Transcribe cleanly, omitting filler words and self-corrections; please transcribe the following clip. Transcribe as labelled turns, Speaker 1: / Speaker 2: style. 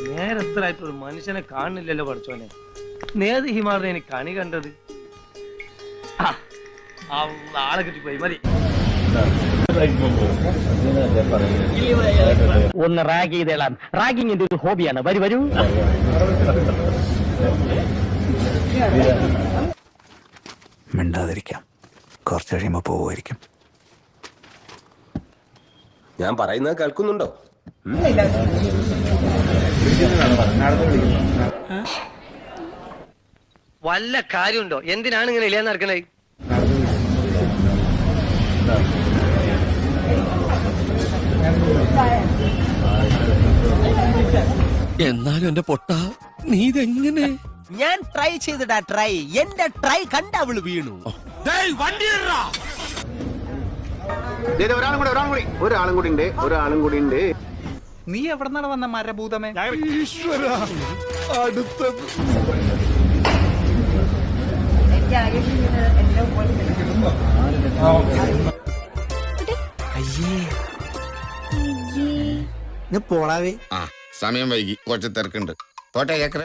Speaker 1: നേരത്തിലായിട്ട് ഒരു മനുഷ്യനെ കാണുന്നില്ലല്ലോ പഠിച്ചോനെ. നേത് ഹിമാറിനെ എനിക്ക് കണി കണ്ടത്. ആളെ കിട്ടിപ്പോയി മതി.
Speaker 2: ഒന്ന് റാഗ് ചെയ്തേളാം. റാഗിങ് എന്റെ ഒരു ഹോബിയാണ്. വരൂ.
Speaker 3: മിണ്ടാതിരിക്കാം, കുറച്ച് കഴിയുമ്പോ പോവുമായിരിക്കും.
Speaker 4: ഞാൻ പറയുന്നത് കേൾക്കുന്നുണ്ടോ?
Speaker 1: വല്ല കാര്യമുണ്ടോ? എന്തിനാണ് ഇങ്ങനെ ഇല്ലാന്ന് നടക്കണേ?
Speaker 5: എന്നാലും എന്റെ പൊട്ട നീ ഇതെങ്ങനെ?
Speaker 6: ഞാൻ ട്രൈ ചെയ്തിടാ. ട്രൈ എന്റെ ട്രൈ കണ്ട അവള് വീണു.
Speaker 4: ഒരാളും കൂടി ഉണ്ട്.
Speaker 6: നീ എവിടെന്നാണ് വന്ന മരഭൂതമേ?
Speaker 5: അടുത്തത്
Speaker 6: പോളാവേ.
Speaker 7: സമയം വൈകി, കുറച്ച് തിരക്കുണ്ട്. പോട്ടെ.